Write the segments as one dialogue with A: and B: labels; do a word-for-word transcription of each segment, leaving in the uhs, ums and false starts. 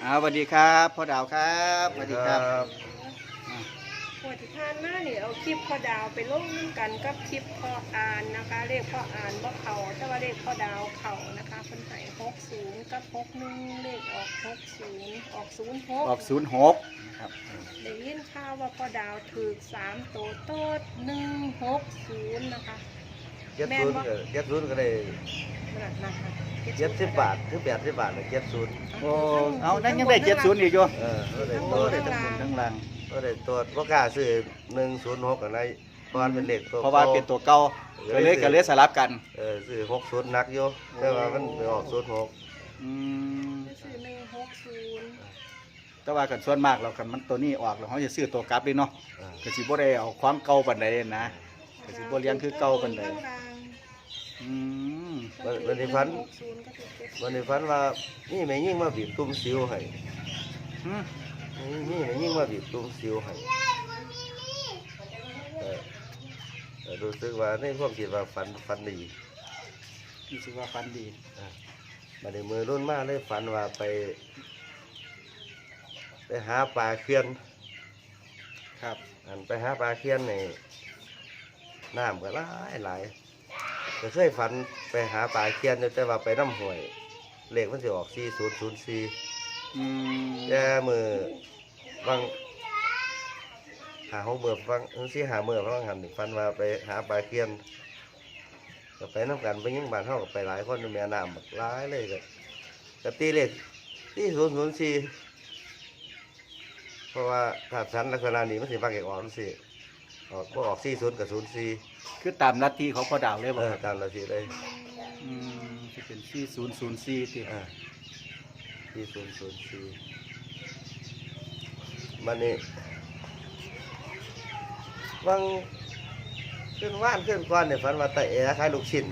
A: อ่าสวัสดีครับพ่อดาวครับสวัสดีครับ
B: หัวที่ผ่านมาเนี่ยเอาคลิปพ่อดาวไปลงน้ำกันกับคลิปพ่ออ่านนะคะเลขพ่ออ่านว่าเขาแต่ว่าเลขพ่อดาวเขานะคะคนไทยหกศูนย์กับหกหนึ่งเลขออกหกศูนย์ออกศูนย์หก
A: ออกศูนย์หกนะครับ
B: ได้ยินข่าวว่าพ่อดาวถือสามตัวโต๊ดหนึ่งหกศูนย์นะคะ
C: เจ็ดศูนย์ก็เจ็ดศูนย์ก็ได้เจ็ดสิบบาทถึงแปดสิบบาทเลยเจ็ดศูนย์
A: โอ้เอานั่นยังได้เจ็ดศูนย์อยู่อยู่
C: เออก็ได้
A: โอ้
C: ตัว
A: ได้ทั้งบนทั้งล่าง
C: ก็ได้ตัวว่ากล้าซื้อหนึ่งศูนย์หกอะไรเพราะมันเป็นเลขตัว
A: เพราะว่าเป็นตัวเก่าก็เลยก็เลยสลับกัน
C: เออซื้อหกศูนย์นักอยู่แต่ว่ามันไปออกศูนย์หก
A: อืม
B: ซื้อหนึ่งหกศูนย์
A: แต่ว่ากันส่วนมากเรากันมันตัวนี้ออกเราเขาจะซื้อตัวกลับเลยเนาะก็สิบ่ได้เอาความเก่าปานใดนะก็สิบ่เลี้ยงคือเก่าปานใดอืม
C: วันนี้ฝันวันนี้ฝันว่านี่แม่ยิ่งมาบีบตุ้มซิวให้นี่แม่ยิ่งมาบีบตุ้มซิวให้รู้สึกว่าในพวกคิดว่าฝันฝันดี
A: รู้สึกว่าฝันดี
C: มาในมือรุ่นมากเลยฝันว่าไปไปหาปลาเคียน
A: ครับ
C: อันไปหาปลาเคียนในน้ำก็หลายหลายก็เคยฝันไปหาปลาเคียนแต่ว่าไปน้ำห้วยเลขมันจะออกสี่ศูนย์ศูนย์สี่แย่มือบางหาหกเมื่อบางสี่หาเมื่อบางหันฝันว่าไปหาปลาเคียนก็ไปน้ำกันไปยิ่งบานเท่ากับไปหลายคนในแม่น้ำแบบหลายเลยก็ก็ตีเลขที่ศูนย์ศูนย์สี่เพราะว่าถ้าชั้นลักษณะนี้มันสิบางอย่างออกสิออกก็ออกสี่ศูนย์กับศูนย์สี่
A: คือตามลัทธิของพ่อดาวเลยบ่
C: เออตามลัทธิเลย
A: อืมที่เป็นสี่ศูนย์ศูนย์สี่ที่
C: อ่าสี่ศูนย์ศูนย์สี่มันนี่บางขึ้นว่านขึ้นก้อนเนี่ยฝันว่าแต่เอ๋คล้ายลูกชิ้น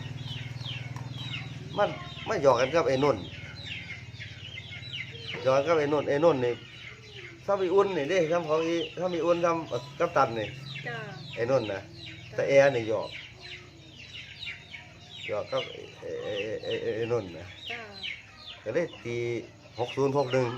C: มันไม่หยอกกันกับไอ้นุ่นหยอกกับไอ้นุ่นไอ้นุ่นนี่ถ้ามีอุ่นนี่ดิทำเขาอีถ้ามีอุ่นทำกับตันนี่ไอ้นุ่นนะแต่เอ๋นี่หยอกหยอกกับไอ้ไอ้ไอ้ไอ้นุ่นนะก็เลยตีหกศูนย์หกหนึ่ง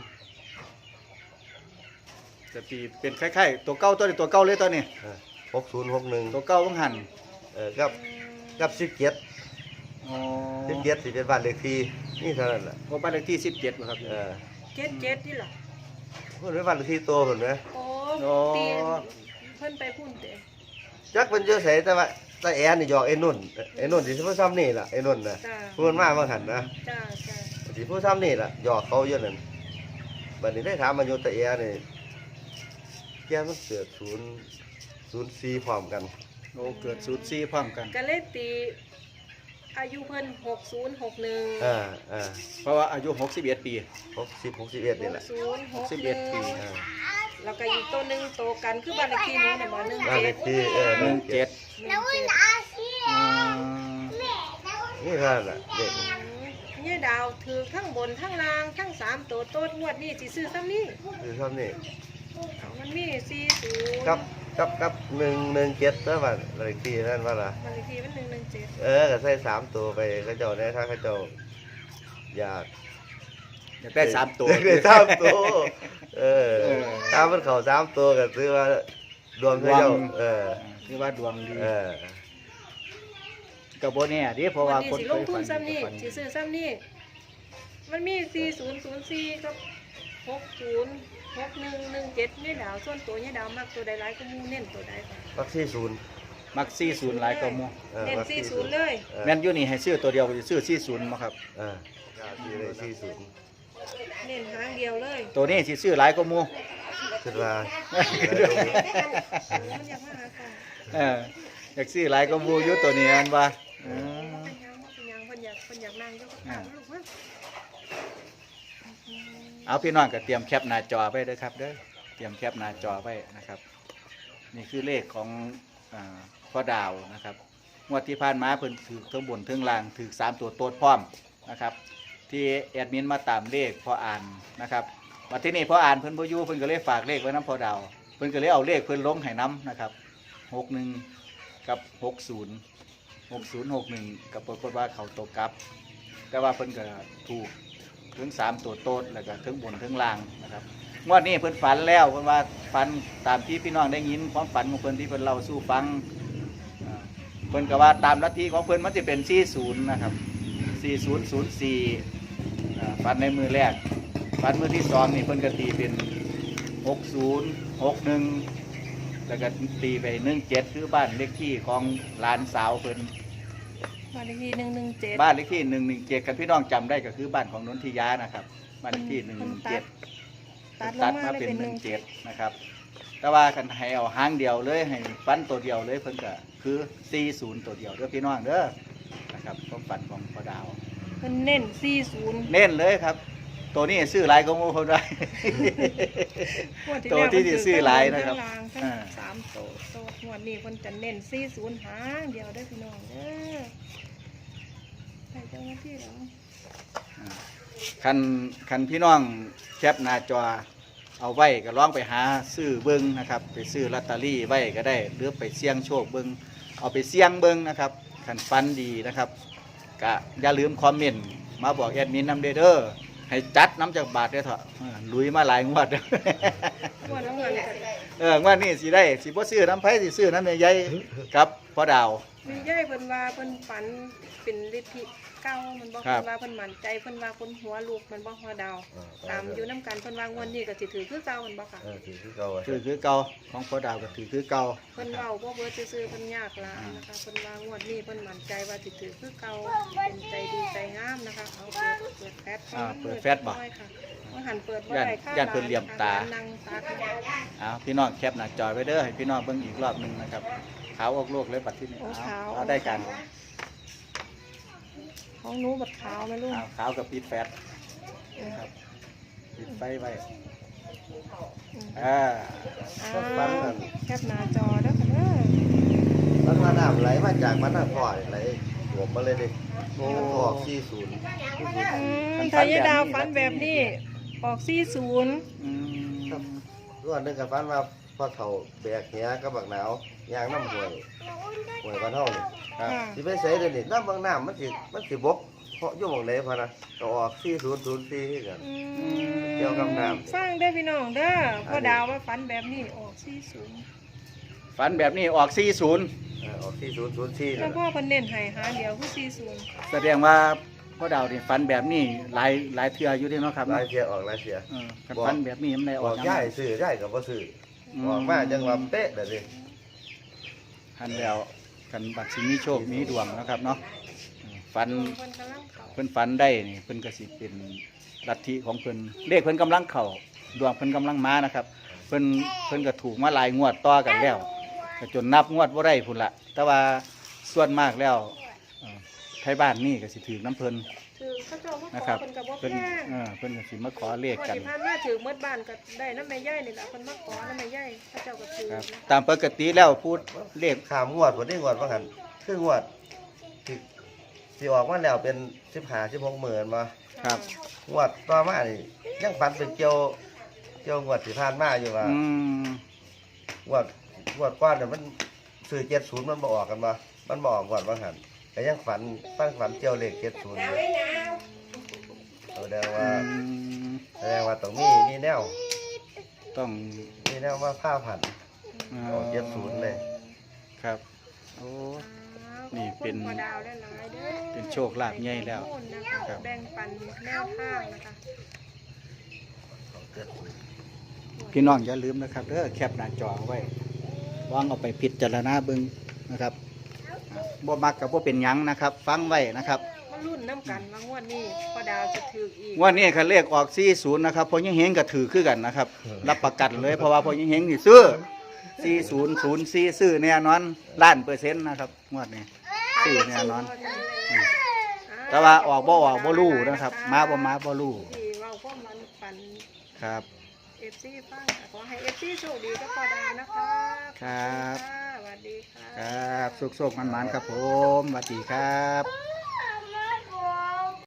A: จะตีเป็นคล้ายๆตัวเก้าตัวนี้ตัวเก้าเลยตัวนี้
C: หกศูนย์หกหนึ่ง
A: ตัวเก้าต้องหัน
C: เออกับกับสิบเจ็ดสิบเจ็ดสิบเจ็ดบ้านเลขที่นี่เท่านั้นแหละ
A: บ้านเลขที่สิบเจ็ดครับ
B: เออเจ็ดเจ็ดนี่หรอ
C: เพื่อนไปบ้านเลขที่โตเหมือนไหม
B: โอ้ตีเพื่อนไปพุ่นเตะ
C: จักเป็นเยอะใส่แต่ว่าแต่แอนนี่หยอกไอ้นุ่นไอ้นุ่นที่พูดซ้ำนี่แหละไอ้นุ่นนะพูดมากมาหันนะที่พูดซ้ำนี่แหละหยอกเขาเยอะนั่นบัดนี้ได้ถามมาอยู่แต่แอนนี่แกมันเกิดศูนย์ศูนย์สี่พร้อมกัน
A: โอ้เกิดศูนย์สี่พร้อมกัน
B: ก็เลยตีอายุเพิ่นหกศูนย์หกหนึ่ง
C: อ่าอ่า
A: เพราะว่าอายุหกสิบเอ็ดปี
C: หกสิบหกสิบเอ็ดนี่แหละ
B: ศูนย์หกสิบเอ็ดปีแล้วก็อีกตัวหนึ่งโตกันคือบ้านเลขที่นู้นน่ะบ่หนึ่งเจ็ด
C: เออหนึ่งเจ็ดนี่ท่านแหละเด็ก
B: นี่ดาวถือทั้งบนทั้งล่างทั้งสามตัวโต๊ดงวดนี่สิซื้อซ้ำนี่
C: ซื้อซ้ำนี่
B: มันมีสี่ศูนย์
C: กับกับกับหนึ่งหนึ่งเจ็ดแล้วบ้านเลขที่นั่นว่าล่ะ
B: บ้านเลขที่มันหนึ่งหนึ่งเจ็ด
C: เออก็ใส่สามตัวไปเขาเจ้าเนี่ยถ้าเขาเจ้าอยาก
A: อยากได้สามตัว
C: ได้สามตัวเออถ้ามันเข่าสามตัวก็ซื้อว่าดวงเขาเจ้าเออ
A: คือว่าดวงดี
C: เออ
A: กับโบเนี่ยดิเพราะว่า
B: คนเคยฝันซ้ำนี่สิซื้อซ้ำนี่มันมีสี่ศูนย์ศูนย์สี่กับหกศูนย์หกหนึ่งหนึ่งเจ็ดนี่ดาวส่วนตัวนี่ดาวมากตัวใดหลายก็มูเน้นตัวใด
C: มักสี่ศูนย์
A: มักสี่ศูนย์หลายก็มู
B: เน้นสี่ศูนย์เลย
A: แม่นอยู่นี่ให้ซื้อตัวเดียวซื้อสี่ศูนย์มาครับ
C: อ่าสี่ศูนย์
B: เน้นหางเดียวเลย
A: ตัวนี้สิซื้อหลายก็มู
C: คิดว่า
A: เอออยากซื้อหลายก็มูอยู่ตัวนี้อันว่าเอาพี่น้องก็เตรียมแคปหน้าจอไว้ด้วยครับเด้อเตรียมแคปหน้าจอไว้นะครับนี่คือเลขของพ่อดาวนะครับงวดที่ผ่านมาเพิ่นถือทั้งบนทั้งล่างถือสามตัวโต๊ดพร้อมนะครับที่แอดมินมาตามเลขพออ่านนะครับวันที่นี่พออ่านเพิ่นบ่อยู่เพิ่นก็เลยฝากเลขไว้น้ำพ่อดาวเพิ่นก็เลยเอาเลขเพิ่นลงให้น้ำนะครับหกหนึ่งกับหกศูนย์หกศูนย์หกหนึ่งกับปรากฏว่าเขาตกกลับแต่ว่าเพิ่นก็ถูกถึงสามตัวโต๊ดแล้วก็ถึงบนถึงล่างนะครับงวดนี้เพิ่นฝันแล้วเพิ่นว่าฝันตามที่พี่น้องได้ยินความฝันของเพิ่นที่เพิ่นเล่าสู่ฟังอ่าเพิ่นก็ว่าตามลัทธิของเพิ่นมันจะเป็นสี่สิบนะครับสี่สิบ ศูนย์สี่อ่าฝันในมือแรกฝันมือที่สองนี่เพิ่นก็ตีเป็นหกสิบ หกสิบเอ็ดแล้วก็ตีไปหนึ่งเจ็ดคือบ้านเลขที่ของหลานสาวเพิ่น
B: บ้านเลขที่หนึ่งหนึ่งเจ็ด
A: บ้านเลขที่หนึ่งหนึ่งเจ็ดกันพี่น้องจำได้ก็คือบ้านของนนทิยานะครับบ้านเลขที่หนึ่งหนึ่งเจ็ด
B: ตัดล
A: ตั
B: ง
A: ด
B: มา
A: มา
B: เลย
A: เป็น
B: เป็น
A: ห
B: ห
A: นึ่
B: นึ่
A: ง
B: ง
A: เจ็
B: เจ็
A: ด
B: ด
A: นะครับแต่ว่ากันให้เอาหางเดียวเลยให้ฟันตัวเดียวเลยเพิ่นก็คือสี่ศูนย์ตัวเดียวเด้อพี่น้องเด้อนะครับความฝันของพ่อดาว
B: เพิ่นเน้นสี่ศูนย์
A: เน้นเลยครับ ตัวนี้ซื้อหลายก็โม่เขาได้ ตัวที่ที่ซื้อหลายนะครับ
B: ทั้งล่างทั้ง
A: อ่า
B: สามโตโตงวดนี้เพิ่นจะเน้นสี่ศูนย์หางเดียวได้อพี่น้องเด้อใส่เจ้าหน้าที่แล้ว
A: คันคันพี่น้องแคปหน้าจอเอาไว้ก็ลองไปหาซื้อเบิ้งนะครับไปซื้อลอตเตอรี่ไว้ก็ได้หรือไปเสี่ยงโชคเบิ้งเอาไปเสี่ยงเบิ้งนะครับคันฟันดีนะครับก็อย่าลืมคอมเมนต์มาบอกแอดมินนำเด้อเด้อให้จัดน้ำจากบาทเด้อเถอะเออลุยมาหลายงวด
B: งวดละเงินก็ได้
A: เอองวดนี้สิได้สิบ่ซื้อน้ำไผสิซื้อน้ำใหญ่ๆครับพ่อดาว
B: มีย่ายเพิ่นว่าเพิ่นฝันเป็นฤทธิเก้ามันบอก
A: ครั
B: เพิ่
A: บ
B: นว่าเพิ่นมั่นใจเพิ่นว่าคนหัวลูกมันบ่หัวดาว
C: อ่า
B: ตามอยู่น้ำกันเพิ่นว่างวดนี้ก็สิถือคือเก่ามันบ่ค่ะ
C: เออถือคือเก่าอะ
A: ถือคือเก่าของพ่อดาวก็ถือคือเก่า
B: เพิ่นเว้าบ่เบิดซื่อๆเพิ่นยากหลายนะคะเพิ่นว่างวดนี้เพิ่นมั่นใจว่าสิถือคือเก่าเป็นใจดีใจงามนะคะเอาเปิดเปิดแฟต
A: อ่าเปิดแฟตบ่
B: ค่ะว่าหันเปิดบ่
A: ย่าน
B: ได้ค่ะ
A: ย่านเพิ่นเหลี่ยมตา
B: นั่งตาก
A: เอาพี่น้องแคปหน้าจอไว้เด้อให้พี่น้องเบิ่งอีกรอบหนึงนะครับขาวออกโลกเลยปัดที่นี่
B: โอ้
A: เอา
B: ขาว
A: เอาได้กัน
B: ของหนูบัดขาวไหมลูก
A: เอาขาวกับปิดแฟตนะครับปิดไฟไว้
B: อืม
A: อ่า
B: อ้าวแคปหน้าจอเด้อค่ะเด้อ
C: มันมาน้ำไหลมาจากมันน้ำพ่อไหลหัวมาเลยดิโอ้ออกสี่ศูนย์
B: อืมถ้ายายดาวฝันแบบนี้ออกสี่ศูนย์
A: อืม
C: ส่วนหนึ่งกับฟันว่าพ่อเฒ่าแบกเหี้ยกับบักหนาวยางน้ำห่วยห่วยบ้านเฮานี่
A: ครับ
B: ค่ะ
C: สิไปใส่เดี๋ยวนี้น้ำบางน้ำมันสิมันสิบกเพราะอยู่หม่องไหนพะนะก็ออกสี่ศูนย์ศูนย์สี่คือกัน
B: อืม
C: เกี่ยวกับน้ำ
B: ฟังได้อพี่น้องเด้อพ่อดาวว่าฝันแบบนี้ออกสี่ศูนย์
A: ฝันแบบนี้ออกสี่ศูนย์
C: เออออกสี่ศูนย์ศูนย์สี่
B: แล้
C: นั่
B: วน พ่อ
C: น่ะ
B: เพิ่นเน้นให้หาเดียวคือสี่ศูนย์
A: แสดงว่าพ่อดาวนี่ฝันแบบนี้หลายหลายเทื่ออยู่เด้เนาะครับ
C: หลายเสียออกหลายเสีย
A: เออคันฝันแบบนี้มันได้อ
C: อ
A: อ
C: อก กย่ายซื้อย่ายกับบ่ซื้ออออกมาจังว่าเป๊ะเด้อสิ
A: หันแล้วกันบัดสิมีโชคมีดวงนะครับเนาะเออฝัน
B: เพิ่นกำลังเข้า
A: เพิ่นฝันได้นี่เพิ่นก็สิเป็นลัทธิของเพิ่นเลขเพิ่นกำลังเข้าดวงเพิ่นกำลังมานะครับ เพิ่นเพิ่นก็ถูกมาหลายงวดต่อกันแล้วก็จนนับงวดบ่ได้พุ่นละแต่ว่าส่วนมากแล้วเอ่อไทยบ้านนี่ก็สิถือน้ำเพิ่น
B: ถือเขาเจ้ามาข
A: นะ
B: อ
A: ครับ
B: เพิ่นก็บ่
A: เพิ่น
B: แพง
A: เออเพิ่นก็สิมาขอเลข
B: งวด
A: กัน
B: ที่ผ่านมาถือหมดบ้านก็ได้น้ำแม่ย่ายนี่แหละเพิ่นมาขอน้ำแม่ย่ายเขาเจ้าก็ถือ
A: ครับ
B: นะ
A: ตามปกติแล้วพูดเลข
C: ขามงวดบ่ได้งวดว่าหั่นคืองวดที่สิออกมาแล้วเป็นสิบห้า สิบหกหมื่นบ่
A: ครับ
C: งวดต่อมานี่ยังฝันเป็นเกี่ยวเกี่ยวงวดที่ผ่านมาอยู่ว่า
A: อืม
C: งวดงวดก่อนเนี่ยมันซื้อเจ็ดศูนย์มันบ่ออกกันบ่มันบ่ออกงวดว่าหั่นก็ยังฝันตั้งฝันเกี่ยวเลขเจ็ดศูนย์อยู่แสดง
A: อื
C: ว่าม แสดงว่าต้องมีมีแนว
A: ต้อง
C: มีแนวว่าผ้าผัน
A: อ่า
C: ออกเจ็ดศูนย์เลย
A: ครับโอ้ นี่เป็น
B: ขอบคุณพ่อดาวได้หลายเด้อ
A: เป็นโชคลาภใหญ่แล้ว
B: ขอบคุณนะคะ
A: ครับ
B: แบ่งปันแนวทางนะคะ
A: พี่น้องอย่าลืมนะครับเด้อแคปหน้าจอเอาไว้วางเอาไปพิจารณาเบิ่งนะครับอ่าบ่มักกับบ่เป็นหยังนะครับ ฟังไว้นะครับ
B: มารุ่นน้ำกันว่างวดนี้พ่อดาวจะถืออีก
A: งวันนี้คันเลขออกสี่สิบนะครับพอยังเฮงก็ถือคือกันนะครับ รับประกันเลยเพราะว่าพอยังเฮงนี่ซื้อสี่ศูนย์ศูนย์สี่ซื้อแน่นอนล้านเปอร์เซ็นต์นะครับงวดนี้ซื้อแน่นอน แต่ว่าออกบ่ออกบ่รู้นะครับ มาบ่มาบ่รู้
B: ที่เว้าพวกมันปัน
A: ครับ
B: เอฟซีฟังค่ะขอให้เอฟซีโชคดีกับพ่อดาวนะคะ
A: ครับ
B: สวัสดีค่ะ
A: ครับสุกๆมันๆครับผมสวัสดีครับ